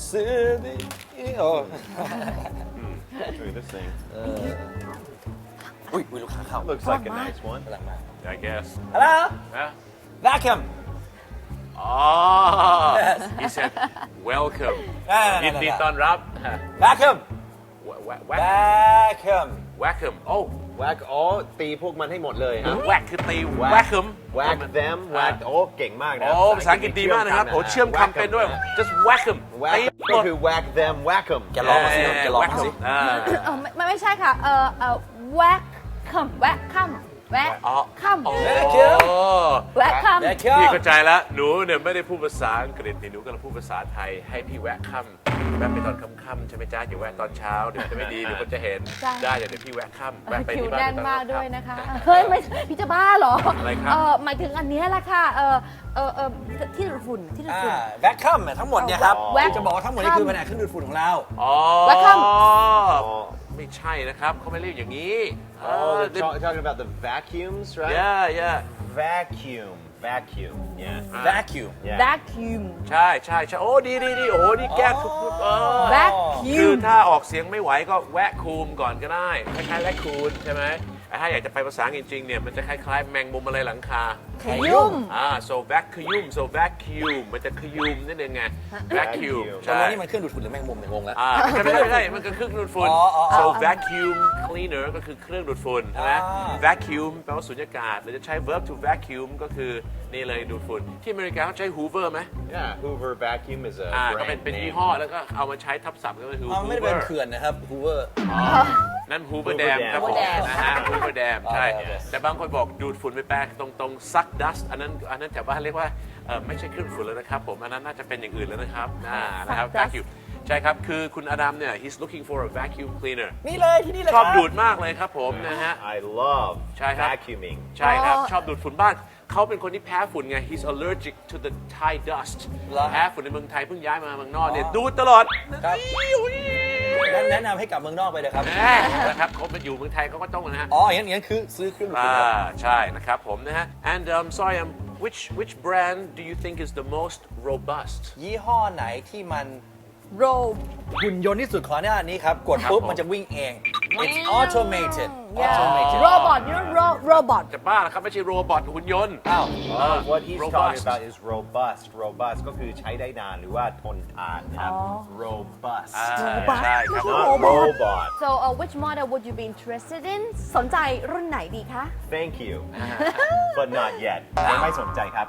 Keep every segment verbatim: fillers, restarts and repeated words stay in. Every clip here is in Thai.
city oh Look at this thing. อุ้ยอุ้ยลูกค้าเข้า Looks like a nice one. กำลังมา I guess Hello yeah vacuum oh he said welcome อ่าๆๆๆยินดีต้อนรับ vacuum whack vacuum whackum oh Whack อ๋อตีพวกมันให้หมดเลยครับ whack คือตี whackum Whack them whack โอ้เก่งมากนะโอ้ภาษาอังกฤษดีมากนะครับโอ้เชื่อมคำเป็นด้วย just whackum Whack ตีก็คือ whack them whack them แกลองมาสิแกลองมาสิอ่าเออไม่ไม่ใช่ค่ะ เออเออแวกคัมแวกคัมแวกอ๋อคัมโอ้แวกคัม vacuum พี่เข้าใจแล้วหนูเนี่ยไม่ได้พูดภาษาอังกฤษนี่หนูกำลังพูดภาษาไทยให้พี่แวะค่ำแวะไปตอนค่ำๆใช่ไหมจ้าอย่าแวะตอนเช้าเดี๋ยวจะไม่ดีเดี๋ยวคนจะเห็นใช่ได้เดี๋ยวพี่แวะค่ำแวะไปคิวที่บ้านแน่นตอมากค่ำด้วยนะคะ เฮ้ย ไม่พี่จะบ้าเหรออะไรครับเออหมายถึงอันเนี้ยแหละค่ะ เออเออเออที่ดูดฝุ่นที่ดูดอ่าฝุ่น vacuum เนี่ยทั้งหมดเนี่ยครับแว็กที่จะบอกว่าทั้งหมดนี่คือแผนกเครื่องดูดฝุ่นของเราอ๋อ Welcome ไม่ใช่นะครับเขาไม่เรียกอย่างนี้ Oh, they're talk- talking about the vacuums, right? yeah yeah Vacuum, vacuum, yeah. vacuum yeah. แวคคิวมใช่ใช่ใช่โอ้ดีดีดีโอ้นี่แก้ทุกทุกเออแวคคิคืวอมถ้าออกเสียงไม่ไหวก็แวะคูมก่อนก็ได้คล้ายๆแวะคูนใช่ไหมแต่ถ้าอยากจะไปภาษาอังกฤษจริงๆเนี่ยมันจะคล้ายๆแมงมุมอะไรหลังคาขยุ่มอ่า so vacuum so vacuum มันจะขยุมนั่นเองไง vacuum ตกใช่ลงนี่มันเครื่องดูดฝุ่นหรือแมงมุมเนี่ยงงแล้วอ่าไม่ใช่ไม่ใช่ไม่ใช่มันคือเครื่องดูดฝุ่นอ๋ออ๋ออ๋อ so vacuum cleaner ก็คือเครื่องดูดฝุ่นใช่ไหมอ่า vacuum แปลว่าสุญญากาศหรือจะใช้ verb to vacuum ก็คือนี่เลยดูดฝุ่นที่อเมริกาเขาใช้ hoover ไหม Yeah, Hoover vacuum is a อ่าก็ brand เป็นเป็น name. ยี่ห้อแล้วก็เอามาใช้ทับศัพท์ก็คืออ๋อไม่ได้เป็น hoover เขื่อนนะครับ hoover นั่น Hoover Hoover Dam Dam ครับผม Hoover Dam นะฮะ Hoover Dam ใช่โอเคแต่บางคนบอกดูดฝุ่นไปแปลตรงตรงซักดัสอันนั้นอันนั้นแถวบ้านเรียกว่าเอ่อไม่ใช่เครื่องฝุ่นแล้วนะครับผมอันนั้นน่าจะเป็นอย่างอื่นแล้วนะครับอ่านะครับ Suck dust vacuum ใช่ครับ คือคุณอดัมเนี่ย he's looking for a vacuum cleaner นี่เลยที่นี่เลยชอบครับดูดมากเลยครับผมนะฮะ I love ใช่ครับ vacuuming. ใช่ครับอ๋อชอบดูดฝุ่นบ้านเขาเป็นคนที่แพ้ฝุ่นไง he's allergic to the Thai dust เหรอแพ้ฝุ่นในเมืองไทยเพิ่งย้ายมาเมืองนอกเนี่ยดูดตลอดครับอุ๊ยงั้นแนะนำให้กลับเมืองนอกไปเลยครับแน่นะครับเขามาอยู่เมืองไทยเขาก็ต้องนะฮะอ๋ออย่างนั้นอย่างนั้นคือซื้อเครื่องดูดฝุ่นอ่าครับใช่นะครับผมนะฮะ and um, sorry um, which which brand do you think is the most robust ยี่ห้อไหนที่มันโรหุ่นยนต์ที่สุดขอหน้านี้ครับ กดครับปุ๊บผมมันจะวิ่งเอง it's automated automated โรบอทยูโนโรโรบอทจะบ้าแล้วครับไม่ใช่โรบอทหุ่นยนต์อ้าว Oh, what he's robust. talking about is robust. Robust ก็คือใช้ได้นานหรือว่าทนทานนะครับ robust อ่า Robust ใช่ครับ not robot so uh, which model would you be interested in สนใจรุ่นไหนดีคะ thank you but not yet ยังไม่สนใจครับ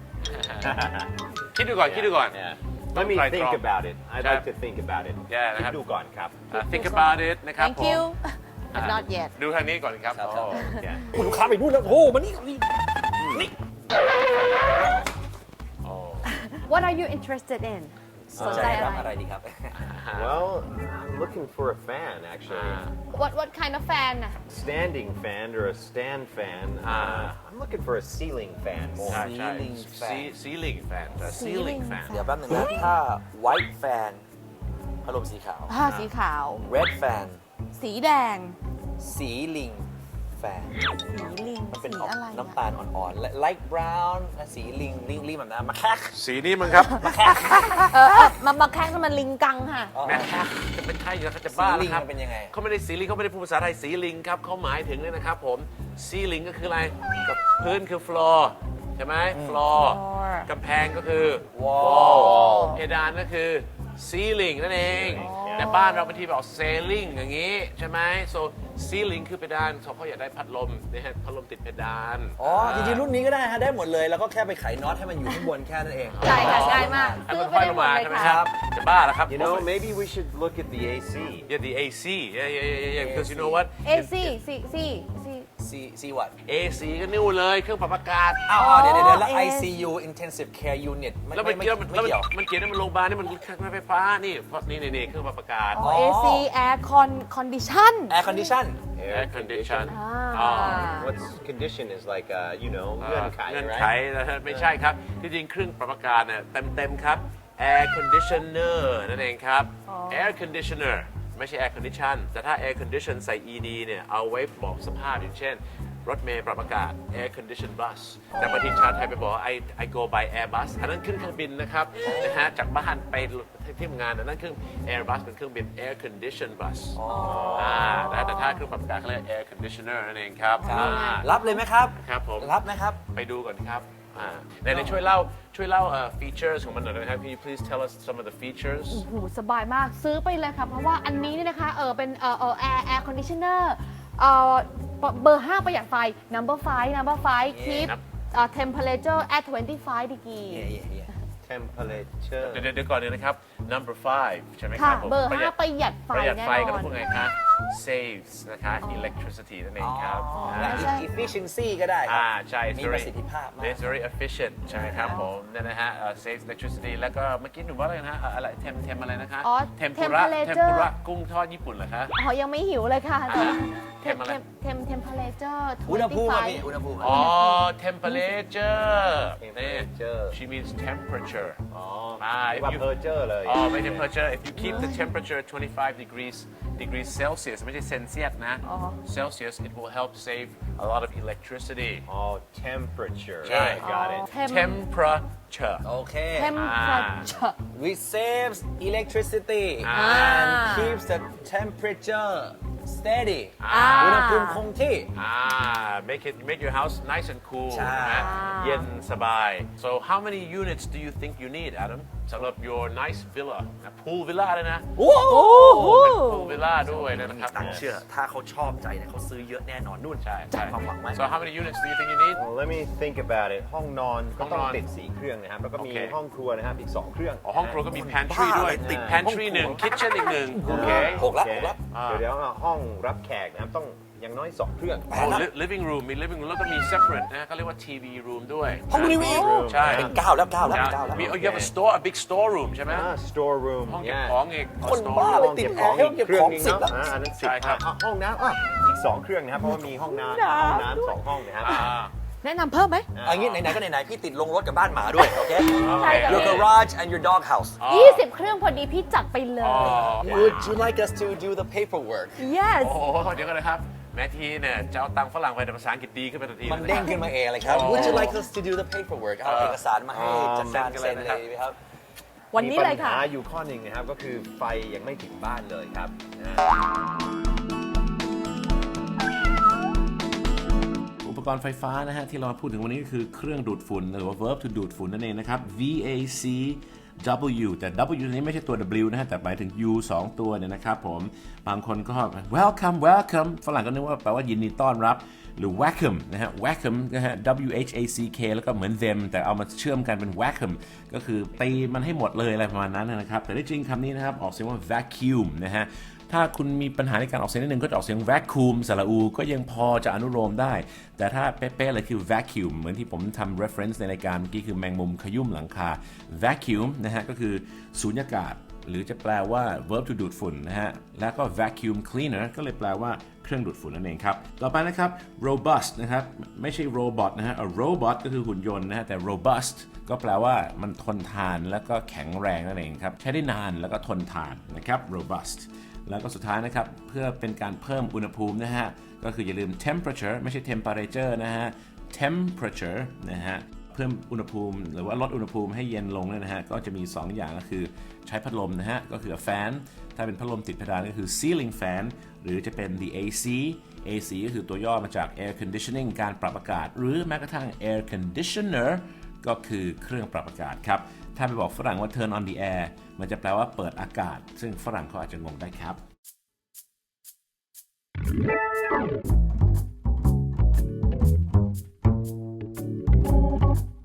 คิดดูก่อนคิดดูก่อน Yeah. ต้อ Let ง me ไตรตร think อง about it I'd ครับ like to think about it Yeah, คิดนะครับดูก่อนครับอ่า think about it นะครับ thank ผม you but not yet ดูทางนี้ก่อนครับครับอ๋อ Yeah. คุณลูกค้าไปนู่นแล้วโอ้โหมานี่นี่นี่ what are you interested in สนใจคอะรับไรอะไรดีครับ Well I'm looking for a fan actually what what kind of fan น่ะ standing fan or a stand fan uh, I'm looking for a ceiling fan more ใช่ใช่ Ceiling fan ceiling fan แต่ ceiling fan เดี๋ยวแป๊บหนึงนะถ้า white fan พัดลมสีขาวผ้าสีขาว red fan สีแดงสีลิง fan สีลิงมันเป็นสีออกอะไรน้ำตาลอ่อนๆและ light brown และสีลิงลิงลิงแบบนั้นมาแคกสีนี้มั้งครับเออเออมามาแข่งกันมันลิงกังค่ะแม่จะเป็นไทยแล้วเขาจะสีบ้าลิแล้วงครับมันเป็นยังไงเขาไม่ได้สีลิงเขาไม่ได้พูดภาษาไทยสีลิงครับเขาหมายถึงเนี่ยนะครับผมซีลิงก็คืออะไรกับพื้นคือ floor ใช่ไหม floor floor กำแพงก็คือ wall เพดานก็คือ ceiling นั่นเอง แต่บ้านเราบางทีบอก ceiling อย่างนี้ใช่ไหม so ceiling คือเพดานเขาอยากได้พัดลมนะฮะพัดลมติดเพดานอ๋อ จริงๆ รุ่นนี้ก็ได้ฮะ ได้หมดเลย แล้วก็แค่ไปไขน็อตให้มันอยู่ข้างบนแค่นั้นเองใช่ค่ะง่ายมากให้ซื้มัอน ไปค่อยได้ลงหมดมาเลยใช่ไหมค่ะครับจะบ้าแล้วครับ You know maybe we should look at the A C yeah the เอ ซี yeah yeah yeah yeah because you know what เอซีซีซีซี C C what เอ ซี ก็นิ่วเลยเครื่องปรับอากาศอ้าวเดี๋ยวเดี๋ยวแล้วเอ I C U intensive care unit ไม่แล้วมันไม่เกี่ยวไม่แล้วมันเกี่ยวมันเขียนว่ามันโรงพยาบาลนี่มันเครื่องไฟฟ้านี่เพราะนี่นี่นี่เครื่องปรับอากาศอ๋อ เอ ซี Air Con Condition air condition air condition อ่า What's condition is like uh, you know เอ่เงื่ออนไขเงื่อนไข right นะฮะไม่ใช่ครับที่จริงเครื่องปรับอากาศเนี่ยเต็มเต็มๆครับ air conditioner นั่นเองครับ air conditioner ไม่ใช่ air condition แต่ถ้า air condition ใส่ ed เนี่ยเอาไว้บอกสภาพอย่างเช่นรถเมล์ปรับอากาศ air conditioned bus แต่บางทีชาวไทยไปบอกว่า I I go by Airbus อันนั้นขึ้นเครื่องบินนะครับนะฮะจากบ้านไปที่ทำงานอันนั้นเครื่อง Airbus เป็นเครื่องบิน air conditioned bus อ่าแต่ถ้าเครื่องปรับอากาศเขาเรียก air conditioner นั่นเองครับอ่ารับเลยไหมครับครับผมรับนะครับไปดูก่อนครับอ่าในในช่วยเล่าช่วยเล่าเอ่อ features ของมันหน่อยนะครับ Can you please tell us some of the features โอ้โหสบายมากซื้อไปเลยค่ะ เพราะว่าอันนี้เนี่ยนะคะเออเป็นเออเออ air air conditioner เออเบอร์ห้าประหยัดไฟ number five number five keep ครับเอ่อ temperature at twenty-five degree temperature เดี๋ยวเดี๋ยวก่อนเลยนะครับ number five ใช่ไหมคค่ะรับผมเบอร์ประหยัห้าดประหยัดไฟประหยัดแน่ไฟก็นต้อองนพูดไงคะ saves นะคะ electricity นั่นเองครับและอ่า efficiency ก็ได้ครัอ่าบใช่ it's มี very ประสิทธิภาพมาก it's very efficient ใช่ไหมครับผมนั่นนะฮะเอ่อ saves electricity แล้วก็เมื่อกี้หนูว่าอะไรนะฮะเอ่ออะไร tem tem อะไรนะคะอ๋อ tempura temperature tempura กุ้งทอดญี่ปุ่นเหรอคะอ๋อยังไม่หิวเลยค่ะแต่ว่าเทมอะไร tem temperature อุณหภูมิอะ twenty-five พี่อุณหภูมิอ๋อ temperature นี่ temperature she means temperature อ๋ออ่า if ว่า you temperature เลยอ๋อไม่ temperature if you keep the temperature twenty-five degrees degrees Celsius ไม่ใช่เซนเซียสนะอ๋อ Celsius it will help save a lot of electricity อ๋อ temperature ใช่ got it Tem- temperature โอเค temperature we saves electricity อ่า and keeps the temperature steady อ่าอุณหภูมิคงที่อ่า make it make your house nice and cool ใช่นะเย็นสบาย so how many units do you think you need Adam สำหรับ your nice villa นะ pool villa เลยนะโอ้โห pool villa ด้วยนะครับตังค์เชื่อ ถ้าเขาชอบใจเนี่ยเขาซื้อเยอะแน่นอนนู่นใช่ใช่ความหวังไหม so how many units do you think you need Well, let me think about it ห้องนอนก็ต้องห้องนอนติดสี่เครื่องนะครับ แล้วก็มีโอเคห้องครัวนะครับ อีกสองเครื่องอ๋อห้องครัวก็มี pantry ด้วย ติด pantry หนึ่ง kitchen อีกหนึ่งโอเคหกละโอเคหกละเดี๋ยวเดี๋ยวห้องรับแขกนะครับ ต้องอย่างน้อยสองเครื่องโอ้ li- living room มี living room แล้วก็มี separate นะเขาเรียกว่า ที วี room ด้วยห้องทีวีใช่เป็นเก้าแล้วเก้าแล้วนะเก้าแล้วมี oh, you have a store a big store room ใช่ไหมอ่า store room ห้องเก็บ yeah ของอีกคน store บ้า room เลยห้องติดเก็บแอของร์อีห้องกเก็บเครื่ขออง งนึงสิบเนาะแล้วอ่าอันนั้นสิบใช่ครับอ่ะห้องน้ำอ่ะอีกสองเครื่องนะครับ เพราะว่ามีห้องน้ำห้องน้ำสองห้องนะครับอ่าแนะนำเพิ่มไหมอันนี้ไหนๆก็ไหนๆพี่ติดลงรถกับบ้านหมาด้วย โอเคใช่ค่ะ your garage and your dog house ยี่สิบเครื่องพอดีพี่จัดไปเลยอ๋อ would you like us to do the paperwork yes โอ้โหเดี๋ยวกันนะครับ แม่ทีเนี่ยจะเอาตังค์ฝรั่งไปแต่ภาษาอังกฤษดีขึ้นไปทันทีมันเด้งขึ้นมาเองเลยครับ would you like us to do the paperwork เอาเอกสารมาให้จัดการเซ็นเลยไหมครับวันนี้เลยค่ะมีปัญหาอยู่ข้อหนึ่งนะครับ ก็คือไฟยังไม่ถึงบ้านเลยครับนะอุปกรณ์ไฟฟ้านะฮะที่เราพูดถึงวันนี้ก็คือเครื่องดูดฝุ่นหรือว่า verb to ดูดฝุ่นนั่นเองนะครับ V A C W แต่ W นี้ไม่ใช่ตัว W นะฮะแต่หมายถึง U สองตัวเนี่ยนะครับผมบางคนก็ welcome welcome ฝรั่งก็นึกว่าแปลว่ายินดีต้อนรับหรือ welcome นะฮะ welcome นะฮะ W H A C K แล้วก็เหมือน them แต่เอามาเชื่อมกันเป็น welcome ก็คือตีมันให้หมดเลยอะไรประมาณนั้นนะครับแต่ที่จริงคำนี้นะครับออกเสียงว่า vacuum นะฮะถ้าคุณมีปัญหาในการออกเสียงนิดนึงก็จะออกเสียง vacuum สระอูก็ยังพอจะอนุโลมได้แต่ถ้าเป๊ะๆเลยคือ vacuum เหมือนที่ผมทำ reference ในรายการเมื่อกี้คือแมงมุมขยุ่มหลังคา vacuum นะฮะก็คือสูญญากาศหรือจะแปลว่า verb to ดูดฝุ่นนะฮะแล้วก็ vacuum cleaner ก็เลยแปลว่าเครื่องดูดฝุ่นนั่นเองครับต่อไปนะครับ robust นะครับไม่ใช่ robot นะฮะ a robot ก็คือหุ่นยนต์นะฮะแต่ robust ก็แปลว่ามันทนทานแล้วก็แข็งแรงนั่นเองครับใช้ได้นานแล้วก็ทนทานนะครับ robust แล้วก็สุดท้ายนะครับเพื่อเป็นการเพิ่มอุณหภูมินะฮะก็คืออย่าลืม temperature ไม่ใช่ temperature นะฮะ temperature นะฮะเพิ่มอุณหภูมิหรือว่าลดอุณหภูมิให้เย็นลงเนี่ยนะฮะก็จะมีสองอย่างก็คือใช้พัดลมนะฮะก็คือ fan ถ้าเป็นพัดลมติดเพดานก็คือ ceiling fan หรือจะเป็น the เอ ซี เอ ซี ก็คือตัวย่อมาจาก air conditioning การปรับอากาศหรือแม้กระทั่ง air conditioner ก็คือเครื่องปรับอากาศครับถ้าไปบอกฝรั่งว่า turn on the air มันจะแปลว่าเปิดอากาศซึ่งฝรั่งเขาอาจจะงงได้ครับ